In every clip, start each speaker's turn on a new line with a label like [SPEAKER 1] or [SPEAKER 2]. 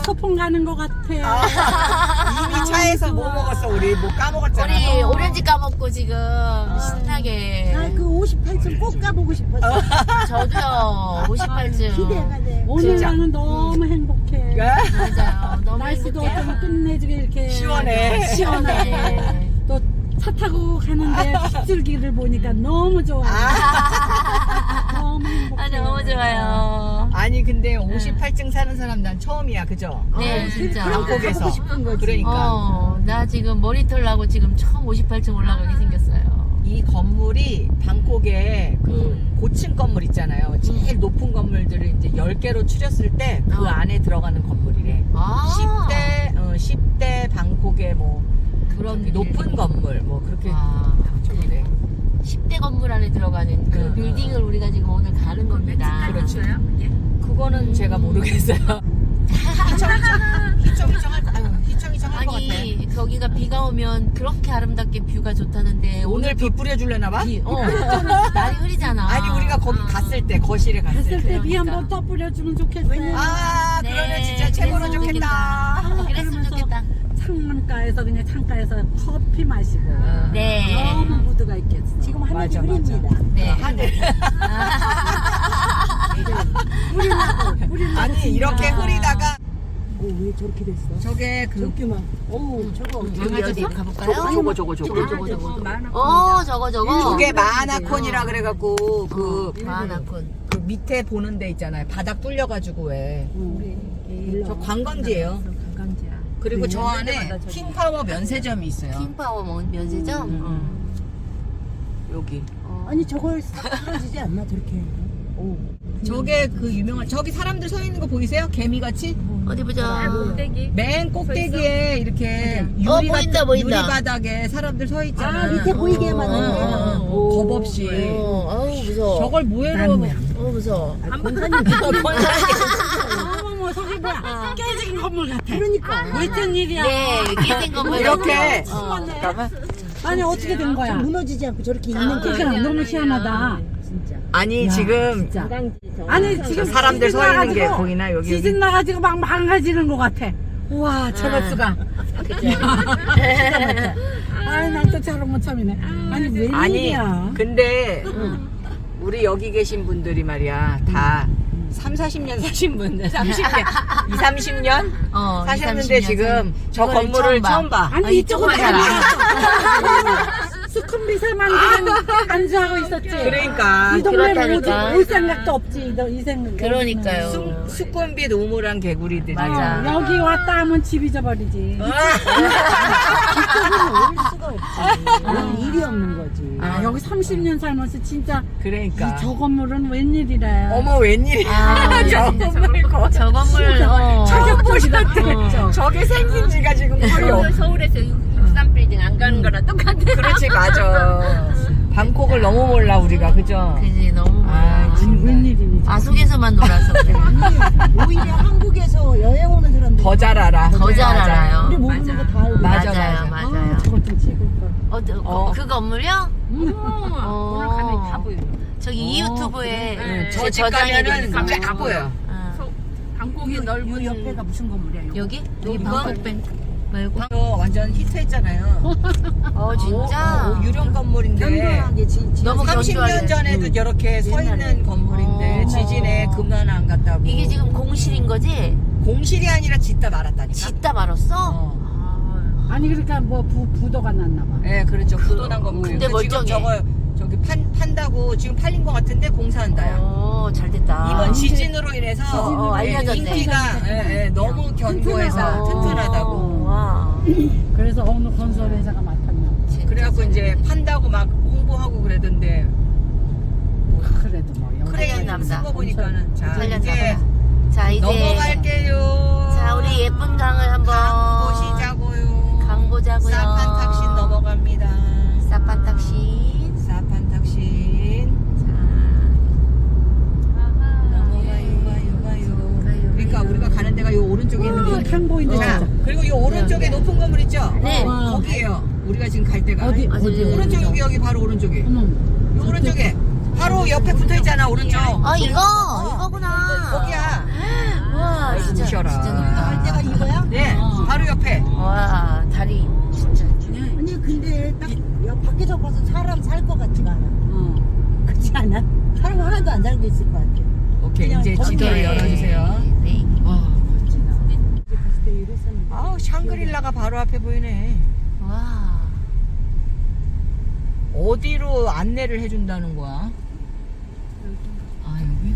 [SPEAKER 1] 소풍 가는 것 같아.
[SPEAKER 2] 이미 차에서 뭐 먹었어 우리 뭐 까먹었잖아.
[SPEAKER 3] 우리 오렌지 까먹고 지금 신나게.
[SPEAKER 4] 나그 58층 꼭 가보고 싶었어.
[SPEAKER 3] 저도요 58층.
[SPEAKER 4] 기대가 돼.
[SPEAKER 1] 오늘
[SPEAKER 2] 진짜.
[SPEAKER 1] 나는 너무 행복해.
[SPEAKER 3] 맞아요. 너무
[SPEAKER 1] 날씨도
[SPEAKER 3] 행복해요.
[SPEAKER 1] 좀 끝내주게 이렇게
[SPEAKER 2] 시원해.
[SPEAKER 1] 시원하게. 또 차 타고 가는데 빗줄기를 보니까 너무 좋아. 너무 행복해.
[SPEAKER 3] 아 너무 좋아요.
[SPEAKER 2] 아니 근데 58층 사는 사람 난 처음이야 그죠?
[SPEAKER 3] 네 진짜.
[SPEAKER 2] 방콕에서.
[SPEAKER 4] 가보고 싶은 거지.
[SPEAKER 2] 그러니까
[SPEAKER 3] 나 지금 머리털 나고 지금 처음 58층 올라가게 생겼어요.
[SPEAKER 2] 이 건물이 방콕에 그 고층 건물 있잖아요. 제일 높은 건물들을 이제 10개로 추렸을 때 그 안에 들어가는 건물이래.
[SPEAKER 3] 아
[SPEAKER 2] 10대 방콕의 뭐
[SPEAKER 3] 그런
[SPEAKER 2] 저기 높은 건물 뭐 그렇게
[SPEAKER 3] 아,
[SPEAKER 2] 그래.
[SPEAKER 3] 10대 건물 안에 들어가는 그
[SPEAKER 2] 응,
[SPEAKER 3] 빌딩을 우리가 지금 오늘 가는 겁니다.
[SPEAKER 2] 그렇죠. 그거는 제가 모르겠어요. 희청희청할 거, 아유, 희청희청할 것 같아.
[SPEAKER 3] 아니 거기가 비가 오면 그렇게 아름답게 뷰가 좋다는데
[SPEAKER 2] 오늘 비 뿌려줄래나 봐?
[SPEAKER 3] 날이 흐리잖아.
[SPEAKER 2] 아니 우리가 거기 갔을 때 거실에 갔을
[SPEAKER 1] 갔을
[SPEAKER 2] 때.
[SPEAKER 1] 때 비
[SPEAKER 3] 그러니까.
[SPEAKER 1] 한번 더 뿌려주면 좋겠어.
[SPEAKER 2] 아
[SPEAKER 3] 네,
[SPEAKER 2] 그러면 진짜 최고로
[SPEAKER 3] 그랬으면
[SPEAKER 2] 좋겠다.
[SPEAKER 3] 그랬으면 좋겠다.
[SPEAKER 1] 창문가에서 그냥 창가에서 커피 마시고
[SPEAKER 3] 네.
[SPEAKER 1] 너무 무드가 있겠어.
[SPEAKER 4] 지금 하늘이
[SPEAKER 2] 맞아,
[SPEAKER 4] 흐립니다.
[SPEAKER 3] 네.
[SPEAKER 2] 하늘. 아니 이렇게 흐리다가
[SPEAKER 4] 왜 저렇게 됐어?
[SPEAKER 2] 저게 그
[SPEAKER 4] 저기만. 어우 저거.
[SPEAKER 3] 여기 어디 가볼까요?
[SPEAKER 2] 저거.
[SPEAKER 3] 저거.
[SPEAKER 2] 저게 마하나콘이라 그래갖고 그
[SPEAKER 3] 마하나콘.
[SPEAKER 2] 그 밑에 보는 데 있잖아요. 바닥 뚫려가지고 왜. 저 관광지예요.
[SPEAKER 1] 관광지야.
[SPEAKER 2] 그리고 저 안에 킹파워 면세점이 있어요.
[SPEAKER 3] 킹파워 면세점.
[SPEAKER 2] 여기.
[SPEAKER 4] 아니 저걸 싹 떨어지지 않나 저렇게. 오.
[SPEAKER 2] 저게 그 유명한 저기 사람들 서 있는 거 보이세요? 개미같이?
[SPEAKER 3] 어디 보자.
[SPEAKER 2] 맨 꼭대기에 이렇게
[SPEAKER 3] 보인다.
[SPEAKER 2] 유리 바닥에 사람들 서 있잖아.
[SPEAKER 4] 아 밑에 보이게 해놨는데.
[SPEAKER 2] 겁 없이.
[SPEAKER 3] 아우 무서워.
[SPEAKER 2] 저걸 뭐해로
[SPEAKER 3] 무서워.
[SPEAKER 1] 어머머 저기 뭐야 깨진 건물 같아.
[SPEAKER 4] 그러니까.
[SPEAKER 1] 무슨 일이야.
[SPEAKER 3] 네, 깨진 건물.
[SPEAKER 2] 이렇게.
[SPEAKER 1] 잠깐만. 아니 어떻게 된 거야?
[SPEAKER 4] 무너지지 않고 저렇게 있는 게.
[SPEAKER 1] 그러니까 너무 희한하다.
[SPEAKER 4] 진짜.
[SPEAKER 2] 아니 지금
[SPEAKER 1] 진짜. 아니 지금
[SPEAKER 2] 사람들
[SPEAKER 1] 지진
[SPEAKER 2] 서 있는 게
[SPEAKER 1] 나가지고
[SPEAKER 2] 보이나 여기?
[SPEAKER 1] 지진 나가지고 막 망가지는 것 같아. 우와 저럴 수가. 아니 난 또 저런 거 처음이네. 아니 웬일이야?
[SPEAKER 2] 근데 우리 여기 계신 분들이 말이야 다 30-40년 사신 분들 30년 20-30년 사셨는데
[SPEAKER 3] 20-30년
[SPEAKER 2] 지금 저
[SPEAKER 3] 이거를
[SPEAKER 2] 건물을 처음 봐.
[SPEAKER 1] 아니 이쪽은
[SPEAKER 3] 이쪽만
[SPEAKER 1] 다 수컷미세만들은 안주하고 있었지.
[SPEAKER 2] 그러니까
[SPEAKER 1] 이 동네는
[SPEAKER 3] 그렇다니까.
[SPEAKER 1] 올 생각도 없지. 이 생각.
[SPEAKER 3] 그러니까요.
[SPEAKER 2] 수컷빛 우물한 개구리들이
[SPEAKER 3] 맞아.
[SPEAKER 1] 여기 왔다 하면 집 잊어버리지.
[SPEAKER 4] 올 수가 없지. 일이 없는 거지.
[SPEAKER 1] 아 여기 30년 살면서 진짜
[SPEAKER 2] 그러니까
[SPEAKER 1] 저 건물은 웬일이래.
[SPEAKER 2] 어머 웬일이야 저 건물
[SPEAKER 3] 저 건물
[SPEAKER 2] 저게 보셨대
[SPEAKER 3] 어.
[SPEAKER 2] 저게 생긴 지가 지금 거의
[SPEAKER 3] 서울에서 63빌딩 안 가는 거랑 똑같아.
[SPEAKER 2] 그렇지 맞아 방콕을 너무 몰라 우리가 그죠?
[SPEAKER 3] 그지 너무
[SPEAKER 2] 아,
[SPEAKER 3] 많아.
[SPEAKER 2] 진짜.
[SPEAKER 1] 웬일이니?
[SPEAKER 3] 아속에서만 놀아서 그래.
[SPEAKER 4] 오히려 한국에서 여행 오는 사람들
[SPEAKER 2] 더 잘 알아
[SPEAKER 3] 더 잘 알아요.
[SPEAKER 4] 우리 모르는 거 다 알고.
[SPEAKER 2] 맞아,
[SPEAKER 3] 맞아요,
[SPEAKER 2] 맞아.
[SPEAKER 3] 맞아요.
[SPEAKER 1] 저것 좀 찍을 걸.
[SPEAKER 3] 그 건물이요?
[SPEAKER 1] 오늘 가면 다 보여.
[SPEAKER 3] 저기 이 유튜브에
[SPEAKER 2] 저 집 가면은
[SPEAKER 3] 되거든요.
[SPEAKER 2] 쫙 보여
[SPEAKER 1] 방콕이 넓은
[SPEAKER 4] 옆에가 무슨 건물이야?
[SPEAKER 3] 여기? 여기
[SPEAKER 2] 이거?
[SPEAKER 3] 방콕뱅 말고?
[SPEAKER 2] 저 완전 히트했잖아요
[SPEAKER 3] 진짜?
[SPEAKER 2] 유령 건물인데
[SPEAKER 4] 견고하게
[SPEAKER 3] 너무
[SPEAKER 2] 30년
[SPEAKER 3] 견조하게.
[SPEAKER 2] 전에도 이렇게 서 있는 건물인데 지진에 그만 안 갔다고
[SPEAKER 3] 이게 지금 공실인 거지?
[SPEAKER 2] 공실이 아니라 짓다 말았다니까
[SPEAKER 3] 짓다 말았어?
[SPEAKER 1] 아니 그러니까 뭐 부도가 났나 봐.
[SPEAKER 2] 네 그렇죠 부도난 건물인데
[SPEAKER 3] 근데 멀쩡해.
[SPEAKER 2] 지금 저기 판다고 지금 팔린 것 같은데 공사한다요
[SPEAKER 3] 잘 됐다.
[SPEAKER 2] 이번 지진으로 인해서
[SPEAKER 3] 알려졌네.
[SPEAKER 2] 인기가 너무 견고해서 튼튼하다고
[SPEAKER 3] 와.
[SPEAKER 1] 그래서 어느 건설회사가 맡았나 봐.
[SPEAKER 2] 그래갖고 이제 판다고 막 홍보하고 그러던데
[SPEAKER 1] 그래도 뭐 여기
[SPEAKER 2] 크레인
[SPEAKER 3] 남자.
[SPEAKER 2] 쓴 거 보니까는 자
[SPEAKER 3] 살렸나
[SPEAKER 2] 이제
[SPEAKER 3] 봐. 자 이제
[SPEAKER 2] 넘어갈게요
[SPEAKER 3] 자 우리 예쁜 강을 한번
[SPEAKER 2] 강 보시자고요
[SPEAKER 3] 강 보자고요.
[SPEAKER 2] 사판탁신 넘어갑니다
[SPEAKER 3] 사판탁신.
[SPEAKER 2] 사판탁신 넘어가요 그러니까 우리가 가는 데가 요 오른쪽에 있는 거
[SPEAKER 1] 강 보인다
[SPEAKER 2] 자,
[SPEAKER 1] 진짜.
[SPEAKER 2] 그리고 요 오른쪽에 높은 건물 있죠?
[SPEAKER 3] 네.
[SPEAKER 2] 거기에요. 우리가 지금 갈 데가.
[SPEAKER 1] 어디
[SPEAKER 3] 어디?
[SPEAKER 2] 오른쪽 여기 바로 오른쪽에.
[SPEAKER 1] 어머.
[SPEAKER 2] 요 오른쪽에. 바로 옆에 붙어 있잖아 오른쪽.
[SPEAKER 3] 이거구나.
[SPEAKER 2] 거기야.
[SPEAKER 3] 와 진짜
[SPEAKER 2] 무셔라.
[SPEAKER 3] 진짜 높다.
[SPEAKER 4] 갈 데가 안 살고 있을 것 같아.
[SPEAKER 2] 오케이,
[SPEAKER 4] 그냥
[SPEAKER 2] 이제
[SPEAKER 4] 거기-
[SPEAKER 2] 지도를
[SPEAKER 3] 네.
[SPEAKER 2] 열어주세요.
[SPEAKER 3] 네.
[SPEAKER 2] 와, 멋지다.
[SPEAKER 4] 이제 갔을 때 이랬었는데.
[SPEAKER 2] 아우, 샹그릴라가 바로 앞에 보이네.
[SPEAKER 3] 와.
[SPEAKER 2] 어디로 안내를 해준다는 거야? 아, 여기?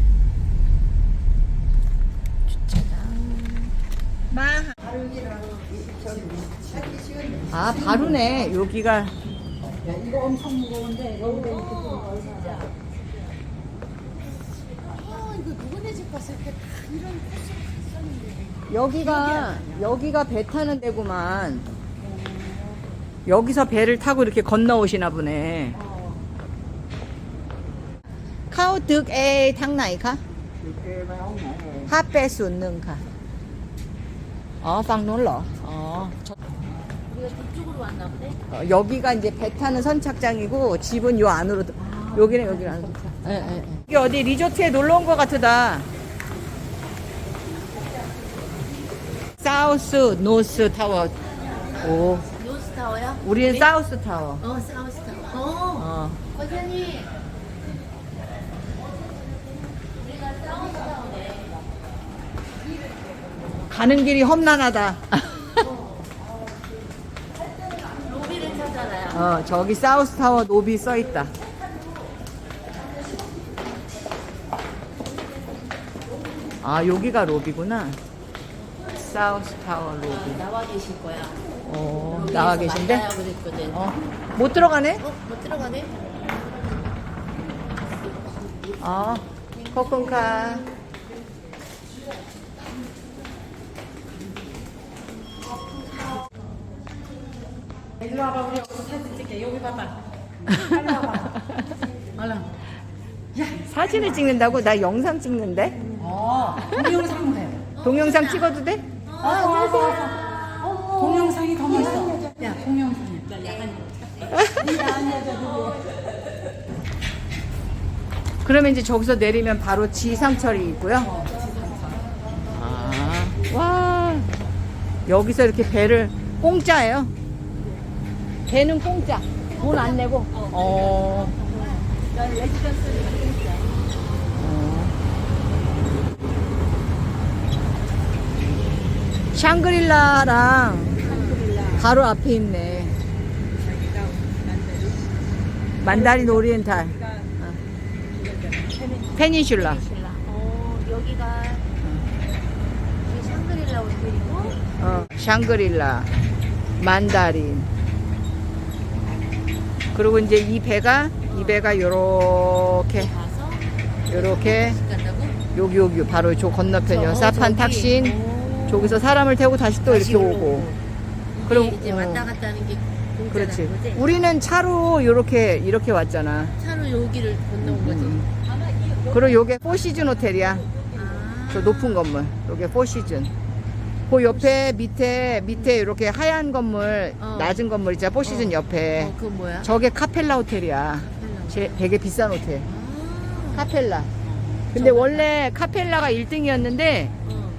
[SPEAKER 2] 아, 바로네. 여기가.
[SPEAKER 1] 이거 엄청 무거운데 여기다 이렇게 좀 진짜.
[SPEAKER 3] 이거 누구네 집 갔을 때 다 이런 코스를 갔었는데.
[SPEAKER 2] 여기가 배 타는 데구만. 여기서 배를 타고 이렇게 건너오시나 보네. Khao được e tháng này khá? Hát bé xuống nương khá? 방นู้로
[SPEAKER 3] 우리가 북쪽으로 왔나 보네.
[SPEAKER 2] 여기가 이제 배 타는 선착장이고 집은 요 안으로 여기는 여기는 안으로. 여기 어디 리조트에 놀러 온 것 같으다. 사우스 노스 타워. 오,
[SPEAKER 3] 노스타워요?
[SPEAKER 2] 우리는 사우스 타워.
[SPEAKER 3] 사우스타워. 과장님.
[SPEAKER 2] 가는 길이 험난하다.
[SPEAKER 3] 로비를 찾아라요.
[SPEAKER 2] 저기 사우스 타워 노비 써 있다. 아, 여기가 로비구나. 사우스 타워 로비.
[SPEAKER 3] 나와 계실 거야.
[SPEAKER 2] 나와
[SPEAKER 3] 로비에서
[SPEAKER 2] 계신데?
[SPEAKER 3] 만나요 그랬거든.
[SPEAKER 2] 못 들어가네?
[SPEAKER 3] 못 들어가네?
[SPEAKER 2] 코쿤카.
[SPEAKER 1] 일로 와봐, 우리 여기서 사진 찍게. 여기 봐봐. 빨리 와봐. 얼른.
[SPEAKER 2] 사진을 찍는다고? 나 영상 찍는데?
[SPEAKER 1] 동영상 해.
[SPEAKER 2] 동영상 찍어도 돼?
[SPEAKER 1] 동영상이 더 멋있어. 야, 동영상이야.
[SPEAKER 2] 그러면 이제 저기서 내리면 바로 지상철이 있고요. 와, 여기서 이렇게 배를 공짜예요. 배는 공짜. 돈 안 내고. 샹그릴라랑 바로 앞에 있네. 만다린 오리엔탈. 페닌슐라.
[SPEAKER 3] 여기가 이게 샹그릴라 호텔이고.
[SPEAKER 2] 샹그릴라, 만다린. 그리고 이제 이 배가 요렇게
[SPEAKER 3] 가서
[SPEAKER 2] 요렇게
[SPEAKER 3] 간다고?
[SPEAKER 2] 여기 바로 저 건너편이요. 사판 탁신. 저기서 사람을 태우고 다시 또 이렇게 오고. 그리고
[SPEAKER 3] 이제 왔다 갔다 하는 게 공짜라는
[SPEAKER 2] 그렇지.
[SPEAKER 3] 거지?
[SPEAKER 2] 우리는 차로 이렇게 왔잖아.
[SPEAKER 3] 차로 여기를 건너온 거지.
[SPEAKER 2] 그리고 요게 포시즌 호텔이야.
[SPEAKER 3] 아.
[SPEAKER 2] 저 높은 건물. 요게 포시즌. 그 옆에 밑에 이렇게 하얀 건물, 낮은 건물 있잖아. 포시즌 옆에.
[SPEAKER 3] 그건 뭐야?
[SPEAKER 2] 저게 카펠라 호텔이야. 되게 비싼 호텔.
[SPEAKER 3] 아.
[SPEAKER 2] 카펠라. 근데 원래 카펠라가 1등이었는데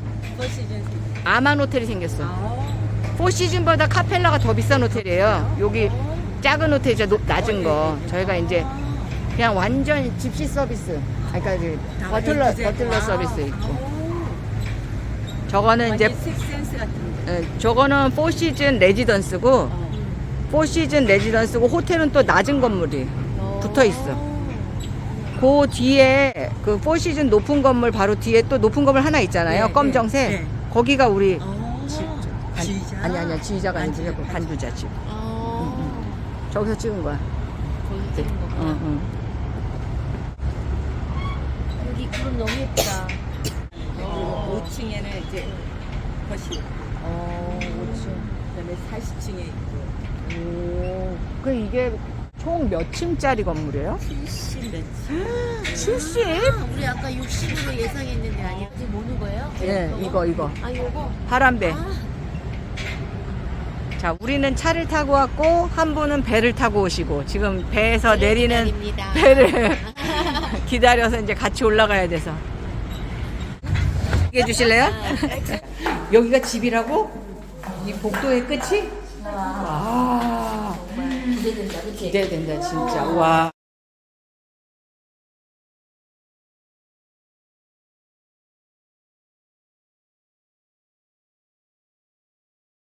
[SPEAKER 2] 아만 호텔이 생겼어. 포시즌보다 카펠라가 더 비싼 호텔이에요. 여기 작은 호텔이죠. 낮은 거. 저희가 이제 그냥 완전 집시 서비스. 그러니까 이제 버틀러 서비스 있고. 저거는 이제
[SPEAKER 1] 식센스 같은
[SPEAKER 2] 저거는 포시즌 레지던스고 포시즌 레지던스고 호텔은 또 낮은 건물이 붙어 있어. 그 뒤에 그 포시즌 높은 건물 바로 뒤에 또 높은 건물 하나 있잖아요.
[SPEAKER 1] 네,
[SPEAKER 2] 검정색.
[SPEAKER 1] 네, 네.
[SPEAKER 2] 거기가 우리
[SPEAKER 1] 지휘자?
[SPEAKER 2] 아니야 지휘자가 아니고 간주자 집. 저기서 찍은 거야.
[SPEAKER 3] 거기 찍은 거구나. 여기 구름 너무 예쁘다.
[SPEAKER 1] 5층에는 이제 거실.
[SPEAKER 2] 5층.
[SPEAKER 1] 그다음에 40층에 있고.
[SPEAKER 2] 그 이게 총 몇 층짜리 건물이에요?
[SPEAKER 1] 70 몇 층.
[SPEAKER 2] 70?
[SPEAKER 3] 우리 아까 60으로 예상했는데 아니야? 이제 뭐는 거예요?
[SPEAKER 2] 예, 이거.
[SPEAKER 3] 아, 요거?
[SPEAKER 2] 파란배.
[SPEAKER 3] 아,
[SPEAKER 2] 자, 우리는 차를 타고 왔고 한 분은 배를 타고 오시고 지금 배에서 내리는
[SPEAKER 3] 기다립니다.
[SPEAKER 2] 배를 기다려서 이제 같이 올라가야 돼서. 얘기해 주실래요? 여기가 집이라고? 이 복도의 끝이? 와,
[SPEAKER 3] 기대된다, 그치?
[SPEAKER 2] 기대된다 진짜. 와.